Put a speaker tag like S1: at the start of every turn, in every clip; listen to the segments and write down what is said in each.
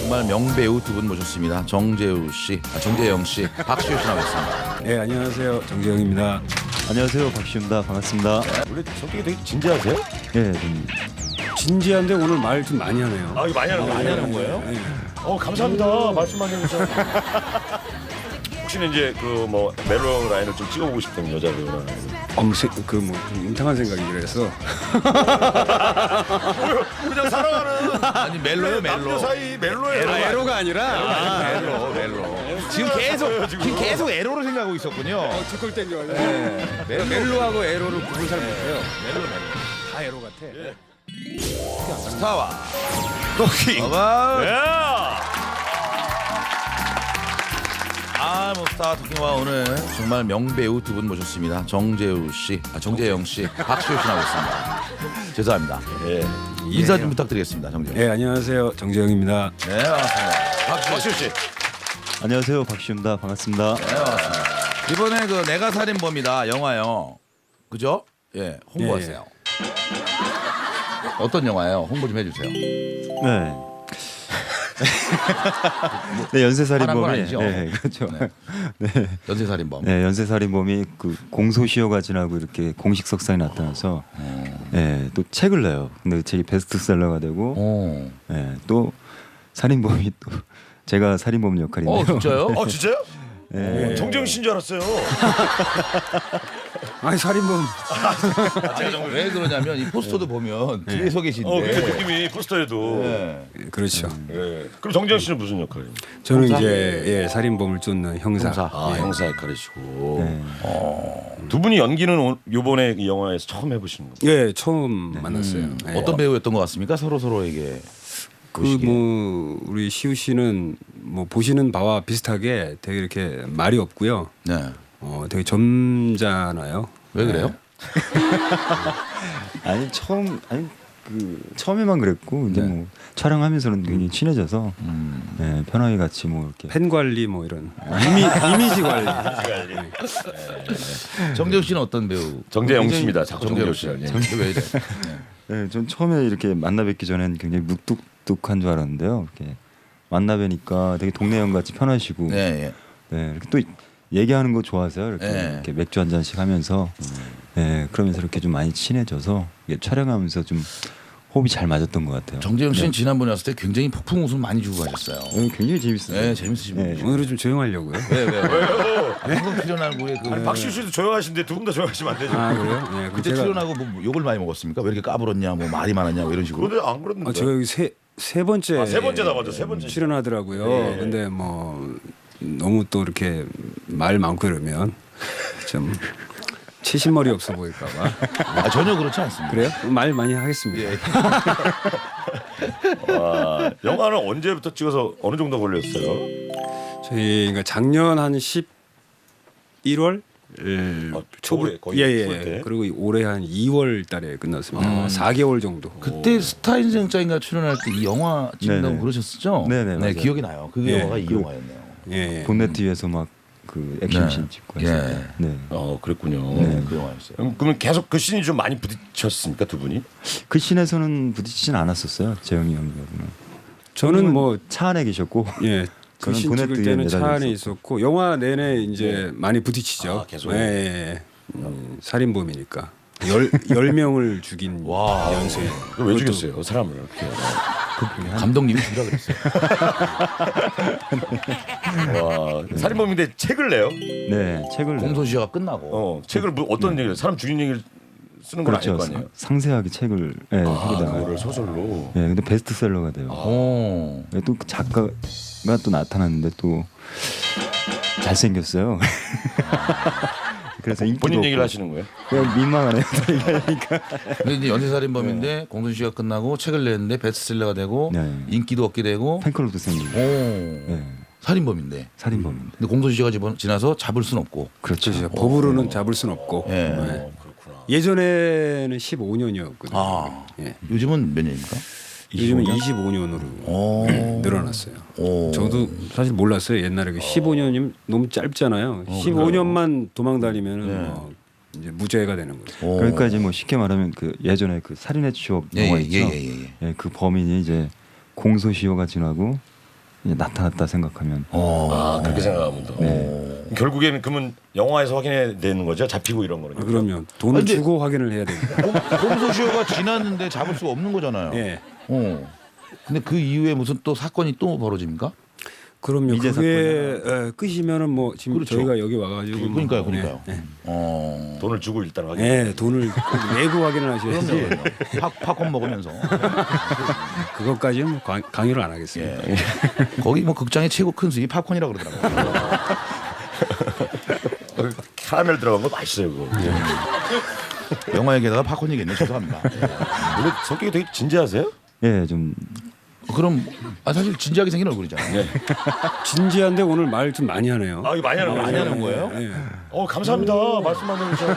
S1: 정말 명배우 두 분 모셨습니다. 정재우 씨, 정재영 씨, 박시우 씨 나오셨습니다.
S2: 네, 안녕하세요. 정재영입니다.
S3: 안녕하세요, 박시우입니다. 반갑습니다.
S4: 원래 성격이 되게 진지하세요?
S3: 네, 좀
S2: 진지한데 오늘 말 좀 많이 하네요.
S4: 아, 이거 많이 하는 거예요?
S2: 네.
S4: 감사합니다. 말씀 많이 해주셔서. 혹시는 이제 그 뭐 멜로 라인을 좀 찍어보고 싶다는 여자 배우나.
S2: 그뭐 임탕한 생각이라서
S4: 그냥 살아가는
S1: 아니 멜로요, 멜로.
S4: 남녀 사이 멜로예요.
S2: 에로가 아니라
S1: 멜로. 지금 계속 에로로 생각하고 있었군요.
S2: 툭툭 땡겨가지고 멜로하고 에로를 구분 잘 못해요.
S1: 멜로.
S2: 다 에로 같아.
S1: 스타와
S4: 토킹.
S1: 어바.
S4: 예.
S1: 뭐 스타 토킹와 오늘 정말 명배우 두 분 모셨습니다. 정재우 씨, 정재영 씨, 박시우 씨 나오셨습니다. 죄송합니다.
S4: 예.
S1: 인사 좀 부탁드리겠습니다, 정재영.
S2: 네, 안녕하세요. 정재영입니다.
S1: 네, 반갑습니다.
S4: 박시우 씨.
S3: 안녕하세요, 박시우입니다. 반갑습니다.
S1: 네, 반갑습니다. 이번에 그 내가 살인범이다 영화요. 그죠? 예, 홍보하세요. 어떤 영화예요? 홍보 좀 해주세요.
S3: 네. 네, 연쇄살인범이
S1: 화난 건 아니죠?
S3: 네, 그렇죠.
S1: 네.
S3: 네.
S1: 연쇄살인범.
S3: 네, 연쇄살인범이 그 공소시효가 지나고 이렇게 공식 석상에 나타나서 네, 또 책을 내요. 근데 그 책이 베스트셀러가 되고
S1: 오.
S3: 네, 또 살인범이 또 제가 살인범 역할인데요.
S1: 진짜요?
S4: 진짜요?
S3: 네.
S4: 정재영 씨인 줄 알았어요.
S2: 아니 살인범.
S1: 왜 그러냐면 이 포스터도 보면 뒤에 서 계신데.
S4: 그 느낌이 포스터에도.
S1: 네.
S2: 그렇죠.
S4: 예. 그럼 정재영 씨는 무슨 역할이에요?
S2: 저는
S1: 형사?
S2: 이제 살인범을 쫓는 형사.
S1: 형사.
S4: 형사 역할이시고.
S3: 네.
S4: 두 분이 연기는 요번에 이 영화에서 처음 해보시는 거예요?
S2: 예, 처음 만났어요. 예.
S1: 어떤 배우였던 것 같습니까? 서로에게.
S2: 그 뭐 우리 시우 씨는 뭐 보시는 바와 비슷하게 되게 이렇게 말이 없고요.
S1: 네.
S2: 되게 점잖아요.
S1: 왜 그래요?
S3: 아니 처음에만 그랬고 이제 뭐 촬영하면서는 굉장히 친해져서 네, 편하게 같이 뭐 이렇게
S2: 팬 관리 뭐 이런 이미지 관리.
S1: 정재우 씨는 어떤 배우?
S4: 정재영
S1: 굉장히-
S4: 씨입니다. 자꾸 정재우 씨.
S1: 왜 이래?
S3: 네, 전 처음에 이렇게 만나 뵙기 전엔 굉장히 묵뚝뚝한 줄 알았는데요. 이렇게 만나 뵈니까 되게 동네 형 같이 편하시고,
S1: 네.
S3: 네, 이렇게 또 얘기하는 거 좋아하세요. 이렇게,
S1: 네.
S3: 이렇게 맥주 한 잔씩 하면서, 네, 그러면서 이렇게 좀 많이 친해져서 이게 촬영하면서 좀 호흡이 잘 맞았던 것 같아요.
S1: 정재영 씨는 지난번에 왔을 때 굉장히 폭풍 웃음 많이 주고 가셨어요.
S3: 굉장히 재밌어요.
S1: 네, 재밌으신
S3: 네.
S1: 분이죠.
S2: 오늘은 좀 조용하려고요.
S1: 왜요? 방금 출연하고 그
S4: 박시우 씨도 조용하신데 두 분 다 조용하시면 안 되죠.
S2: 아 그래요? 네, 그럼
S1: 그때 출연하고 뭐 욕을 많이 먹었습니까? 왜 이렇게 까불었냐, 뭐 말이 많았냐, 뭐 이런 식으로.
S4: 그런데 안 그랬는데.
S2: 저 여기 세 번째
S4: 세 번째다 맞아. 세 번째.
S2: 출연하더라고요.
S4: 네.
S2: 근데 뭐 너무 또 이렇게 말 많고 이러면 좀 치신머리 없어 보일까봐.
S1: 전혀 그렇지 않습니다.
S2: 그래요? 말 많이 하겠습니다.
S4: 와, 영화는 언제부터 찍어서 어느 정도 걸렸어요?
S2: 저희가 작년 한 11월
S4: 초에 거의
S2: 예예.
S4: 초에 때?
S2: 그리고 올해 한 2월 달에 끝났습니다. 4개월 정도.
S1: 그때 스타인생짜인가 출연할 때 이 영화 찍는다고
S3: 네네.
S1: 그러셨었죠?
S3: 네네, 맞아요.
S1: 기억이 나요. 그
S2: 예.
S1: 영화가 이 영화였네요.
S2: 예.
S3: 본넷 뒤에서 막 그 액션씬 찍고 해서.
S1: 예.
S3: 네.
S4: 그랬군요.
S1: 그 영화였어요.
S4: 그러면 계속 그 씬이 좀 많이 부딪혔습니까 두 분이?
S3: 그 씬에서는 부딪히진 않았어요. 재영이 형님하고는.
S2: 저는 뭐
S3: 차 안에 계셨고,
S2: 예.
S3: 저는
S2: 그신
S3: 보넷
S2: 찍을
S3: 뒤에
S2: 때는 차
S3: 매달려
S2: 안에 있었고 영화 내내 이제 많이 부딪히죠.
S4: 아, 계속?
S2: 예. 살인범이니까 10명을 죽인
S1: 와.
S2: 연쇄.
S4: 왜 죽였어요? 사람을 이렇게.
S1: 감독님이 주라 그랬어요.
S4: 와, 살인범인데 책을 내요?
S3: 네, 책을
S1: 공소시효가 끝나고.
S4: 책을 뭐 어떤 얘기를 사람 죽인 얘기를 쓰는 건
S3: 그렇죠.
S4: 아닐 거 아니에요?
S3: 상세하게 책을 하게
S4: 그거를
S3: 돼요.
S4: 소설로.
S3: 네, 근데 베스트셀러가 돼요.
S1: 오.
S3: 네, 또그 작가가 또 나타났는데 또 잘생겼어요. 그래서 인기도
S4: 본인 얘기를
S3: 없고.
S4: 하시는 거예요?
S3: 그냥 민망하네요. 얘기하니까.
S1: 근데 이제 연쇄살인범인데 공소시효가 끝나고 책을 냈는데 베스트셀러가 되고
S3: 네.
S1: 인기도 얻게 되고
S3: 팬클럽도 생기고.
S1: 오.
S3: 네,
S1: 살인범인데.
S3: 살인범인데.
S1: 근데 공소시효가 지나서 잡을 순 없고.
S3: 그렇죠.
S2: 그렇죠. 법으로는 잡을 수는 없고.
S1: 예.
S2: 네.
S4: 그렇구나.
S2: 예전에는 15년이었거든요.
S1: 아.
S2: 예.
S1: 요즘은 몇 년입니까?
S2: 요즘은 25년으로
S1: 오.
S2: 늘어났어요.
S1: 오.
S2: 저도 사실 몰랐어요. 옛날에 15년이면 너무 짧잖아요. 15년만 도망 다니면은 뭐 이제 무죄가 되는 거죠.
S1: 오.
S3: 그러니까 이제 뭐 쉽게 말하면 그 예전에 그 살인의 추억
S1: 예,
S3: 영화
S1: 예,
S3: 있죠.
S1: 예, 예, 예.
S3: 그 범인이 이제 공소시효가 지나고 이제 나타났다 생각하면
S4: 그렇게 생각하면 더. 결국에는 그러면 영화에서 확인해야 되는 거죠? 잡히고 이런 거는.
S2: 그럼요. 돈을
S1: 근데-
S2: 주고 확인을 해야 됩니다.
S1: 공소시효가 지났는데 잡을 수가 없는 거잖아요.
S2: 예.
S1: 근데 그 이후에 무슨 또 사건이 또 벌어집니까?
S2: 그럼요.
S3: 미제
S2: 그게 끝이면은 뭐 지금
S1: 그렇죠.
S2: 저희가 여기 와가지고 뭐,
S1: 그러니까요.
S2: 예,
S4: 돈을 주고 일단 확인.
S2: 예, 돈을 내고 확인을 하셔야지.
S1: 그럼요. 팝콘 먹으면서.
S2: 그것까지는 뭐 강요를 안 하겠습니다.
S1: 예. 거기 뭐 극장의 최고 큰 수익이 팝콘이라고 그러더라고요.
S4: 카라멜 들어간 거 맛있어요 그거.
S1: 영화 얘기하다가 팝콘 얘기했네. 죄송합니다.
S4: 원래 성격이 되게 진지하세요?
S3: 예, 좀
S1: 그럼 사실 진지하게 생긴 얼굴이잖아요.
S2: 진지한데 오늘 말 좀 많이 하네요.
S4: 아 이거 많이 하는 거예요?
S1: 많이 하는 거예요?
S2: 예.
S4: 감사합니다. 말씀만 해주셔서.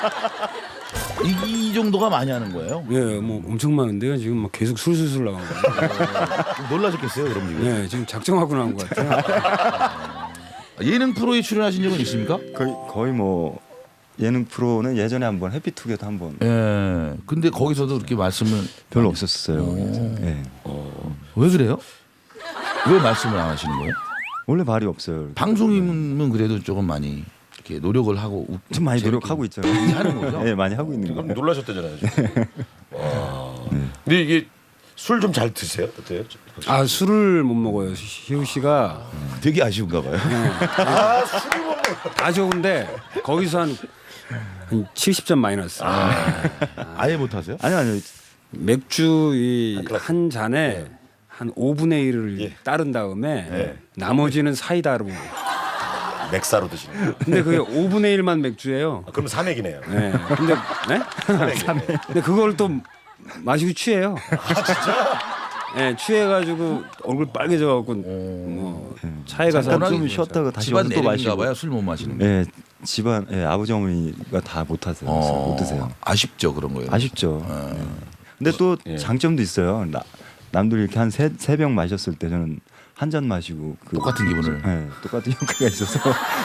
S1: 이 정도가 많이 하는 거예요?
S2: 예, 뭐 엄청 많은데요. 지금 막 계속 술술술 나가고.
S1: 놀라셨겠어요, 그럼 지금.
S2: 예, 지금 작정하고 나온 것 같아요.
S1: 예능 프로에 출연하신 적은 있습니까?
S3: 거의 뭐 예능 프로는 예전에 한번 해피투게더 한번
S1: 예. 근데 거기서도 그렇게 말씀을
S3: 별로 없었어요. 예.
S1: 왜 그래요? 왜 말씀을 안 하시는 거예요?
S3: 원래 말이 없어요.
S1: 방송인은 그래도 조금 많이 이렇게 노력을 하고
S3: 좀 많이 노력하고 있잖아요.
S1: 하는 거죠?
S3: 예, 많이 하고 있는
S4: 그럼
S3: 거.
S4: 놀라셨다잖아요. 지금. 와. 근데 이게 술 좀 잘 드세요? 어때요?
S2: 아, 술을 못 먹어요. 시우 씨가
S1: 되게 아쉬운가 봐요.
S4: 아 술을 먹는.
S2: 다 좋은데 거기서 한 70점 마이너스.
S1: 아예 못 하세요?
S3: 아니요.
S2: 맥주 한 잔에 한 5분의 1을
S4: 예.
S2: 따른 다음에
S4: 예.
S2: 나머지는 사이다로.
S4: 맥사로 드시는 거예요.
S2: 근데 그게 5분의 1만 맥주예요.
S4: 그럼 삼액이네요.
S2: 네. 근데 네? 근데 그걸 또 마시고 취해요. 아 진짜? 네, 취해가지고 얼굴 빨개져갖고 뭐 차에 가서
S3: 잠깐 좀
S2: 좀
S3: 쉬었다가 다시
S1: 집안
S3: 와서 또
S1: 내림인가
S3: 마시고.
S1: 봐요. 술 못 마시는 게.
S3: 예, 집안 아버지 어머니가 다 못 하세요. 그래서 못 드세요.
S1: 아쉽죠 그런 거예요.
S3: 아쉽죠. 예. 근데 또
S4: 예. 장점도
S3: 장점도 있어요. 남들이 이렇게 한 세 병 마셨을 때 저는 한 잔 마시고
S1: 똑같은 기분을.
S3: 예, 똑같은 효과가 있어서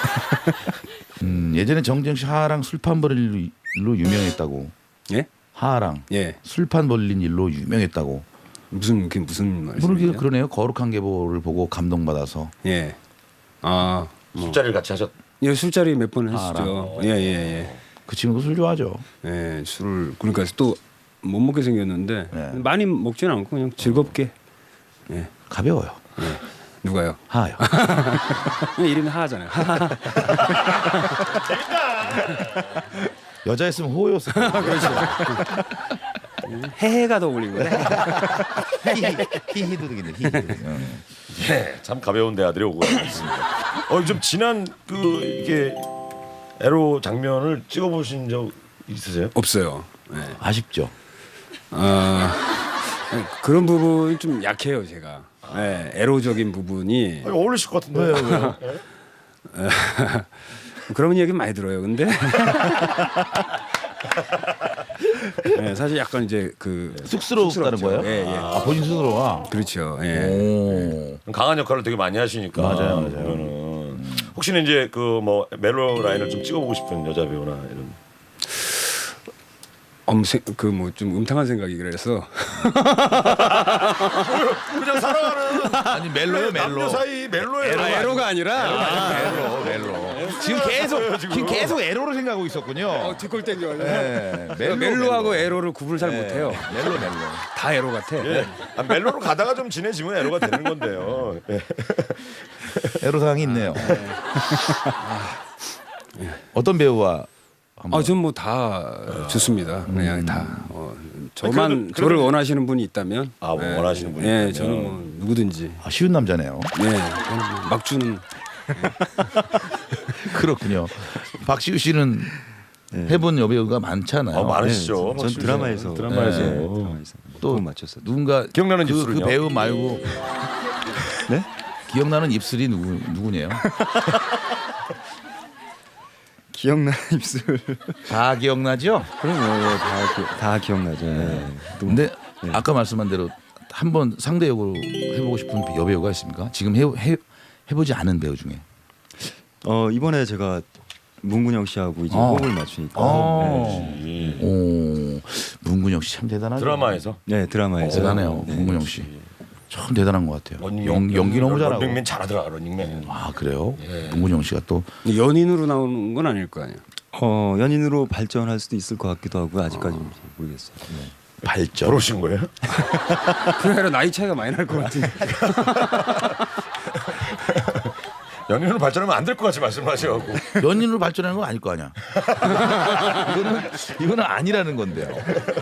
S1: 예전에 정재영 씨 하하랑 술판 벌린 일로 유명했다고.
S2: 예?
S1: 하하랑
S2: 예.
S1: 술판 벌린 일로 유명했다고.
S2: 그게 무슨
S1: 모르게
S2: 말씀이세요?
S1: 그러네요. 거룩한 계보를 보고 감동받아서.
S2: 예. 아, 뭐.
S4: 술자리를 같이 하셨.
S2: 예, 술자리 몇 번 했었죠.
S1: 알아.
S2: 예.
S1: 그 친구도 술 좋아하죠.
S2: 예, 술을 그러니까 또 못 먹게 생겼는데
S1: 네.
S2: 많이 먹지는 않고 그냥 즐겁게. 예.
S1: 가벼워요.
S2: 누가요?
S1: 하하요.
S2: 이름이 하하잖아요.
S1: 여자였으면 호였을 거예요.
S2: 해해가 더 어울린 거네.
S1: 히히도 되겠네. 히히도 되겠네.
S4: 네, 참 가벼운 대아들이 오고 있습니다. 좀 지난 이게 에로 장면을 찍어보신 적 있으세요?
S2: 없어요. 예.
S1: 아쉽죠.
S2: 그런 부분이 좀 약해요, 제가. 예, 에로적인 부분이.
S4: 아니, 어울리실 것 같은데. 왜요?
S2: 그런 얘기 많이 들어요. 근데 예, 사실 약간 이제 그
S1: 쑥스럽다는
S2: 쑥스럽죠.
S1: 거예요?
S2: 예, 예.
S1: 아, 본인 스스로가.
S2: 그렇죠. 예.
S1: 오.
S4: 강한 역할을 되게 많이 하시니까.
S1: 맞아요.
S4: 그러면은 혹시는 이제 그 뭐 멜로 라인을 좀 찍어보고 싶은 여자 배우나 이런.
S2: 그뭐 좀 음탕한 생각이 그래서
S4: 그냥 살아가는
S1: 아니 멜로요 멜로.
S4: 남녀 사이 멜로예요.
S2: 에로가 아니라
S1: 멜로. 지금 계속 에로를 생각하고 있었군요.
S2: 뒷골 땡겨가지고
S1: 네,
S2: 멜로하고 에로를 구분을 잘 못해요.
S1: 멜로.
S2: 다 에로 같아.
S4: 예. 멜로로 가다가 좀 친해지면 에로가 되는 건데요. 예.
S1: 에로 사항이 있네요. 어떤 배우와 한번
S2: 전 뭐 다 좋습니다. 그냥 다.
S4: 그래도-
S2: 저를 원하시는 분이 있다면.
S4: 뭐 원하시는 분이
S2: 예,
S4: 있다면.
S2: 저는 뭐 누구든지.
S1: 쉬운 남자네요.
S2: 예, 저는 뭐 막 주는.
S1: 그렇군요. 박시우 씨는 해본 여배우가 많잖아요.
S4: 많으시죠.
S3: 전 드라마에서
S4: 드라마에서.
S3: 드라마에서
S1: 또
S3: 또 맞췄어요.
S1: 누군가
S4: 기억나는
S1: 그
S4: 입술은요?
S1: 배우 말고
S3: 네?
S1: 기억나는 입술이 누구네요?
S3: 기억나는 입술.
S1: 다 기억나죠?
S3: 그럼요. 다 기억나죠. 예. 또
S1: 근데 아까 말씀한 대로 한번 상대 역으로 해보고 싶은 여배우가 있습니까? 지금 해보지 않은 배우 중에.
S3: 이번에 제가 문근영 씨하고 이제
S1: 아.
S3: 호흡을 맞추니까. 네.
S1: 오, 문근영 씨 참 대단하죠.
S4: 드라마에서.
S3: 네, 드라마에서.
S1: 대단해요,
S3: 네.
S1: 문근영 씨. 참 대단한 것 같아요.
S4: 런닝맨,
S1: 연기 너무 잘하고.
S4: 런닝맨 잘하더라 런닝맨.
S1: 아 그래요? 문근영 씨가 또
S2: 연인으로 나오는 건 아닐 거 아니에요.
S3: 연인으로 발전할 수도 있을 것 같기도 하고 아직까지는 잘 모르겠어요.
S1: 발전.
S4: 결혼하신 거예요?
S2: 그게 아니라 나이 차이가 많이 날 것 같은데.
S4: 연인으로 발전하면 안 될 것 같이 말씀하셔갖고.
S1: 연인으로 발전하는 건 아닐 거 아니야. 이거는 아니라는 건데요.